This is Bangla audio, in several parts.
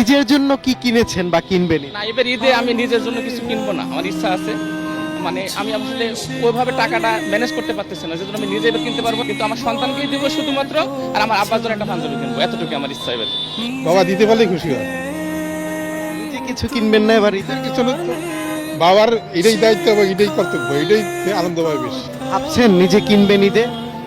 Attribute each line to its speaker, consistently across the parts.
Speaker 1: নিজের জন্য কি কিনেছেন বা কিনবেন?
Speaker 2: না, এবার ঈদে আমি নিজের জন্য কিছু কিনবো না, আমার ইচ্ছা আছে। মানে আমি আসলে ওইভাবে টাকাটা ম্যানেজ করতে পারতেছি না, যেজন্য আমি নিজে এবার কিনতে পারবো, কিন্তু আমার সন্তানকেই দিব শুধুমাত্র, আর আমার আব্বার জন্য একটা পাঞ্জাবি কিনবো, এতটুকু আমার ইচ্ছা এবার।
Speaker 3: বাবা দিতে পারলে খুশি হয়।
Speaker 1: নিজে কিছু কিনবেন না এবার ঈদে?
Speaker 3: কিছু না, বাবার এটাই দায়িত্ব এবং এটাই কর্তব্য, এটাই আনন্দ পাবে বেশি।
Speaker 1: ভাবছেন নিজে কিনবেন ঈদে?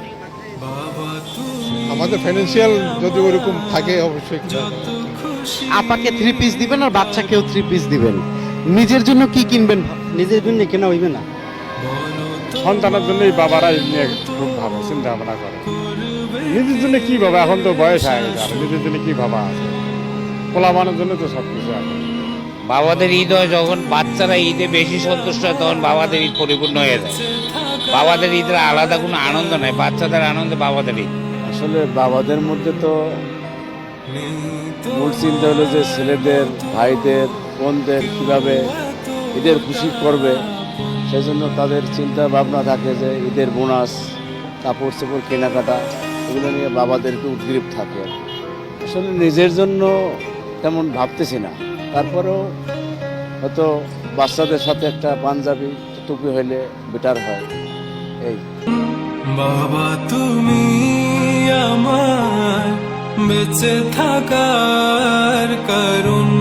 Speaker 3: আমাদের ফাইন্যান্সিয়াল যদি ওরকম থাকে অবশ্যই কিনা যাবে।
Speaker 1: আপাকে 3 পিস দিবেন আর বাচ্চাকেও 3 পিস দিবেন, নিজের জন্য কি কিনবেন?
Speaker 4: নিজের জন্য কেনা হইবে না,
Speaker 5: সন্তানের জন্যই বাবারা এই নিয়ে খুব ভাবে চিন্তা ভাবনা করে। নিজের জন্য কি ভাবা, এখন তো বয়স হয়ে গেছে, আর নিজের জন্য কি ভাবা আছে? পোলাপানের জন্য তো সব কিছু আছে।
Speaker 6: বাবাদের ঈদ হয় যখন বাচ্চারা ঈদে বেশি সন্তুষ্ট হয়, তখন বাবাদের ঈদ পরিপূর্ণ হয়ে যায়। বাবাদের ঈদের আলাদা কোনো আনন্দ নাই, বাচ্চাদের আনন্দে বাবাদের ঈদ।
Speaker 7: আসলে বাবাদের মধ্যে তো মূল চিন্তা হলো যে ছেলেদের, ভাইদের, বোনদের কীভাবে ঈদের খুশি করবে, সেজন্য তাদের চিন্তা ভাবনা থাকে যে ঈদের বোনাস, কাপড় চোপড় কেনাকাটা, এগুলো নিয়ে বাবাদেরকে উদ্গ্রীব থাকে। আসলে নিজের জন্য তেমন ভাবতেছি না, তারপরেও হয়তো বাচ্চাদের সাথে একটা পাঞ্জাবি টুপি হইলে বেটার হয়। এই
Speaker 8: বাবা তুমি আমার বেঁচে থাকার কারণ।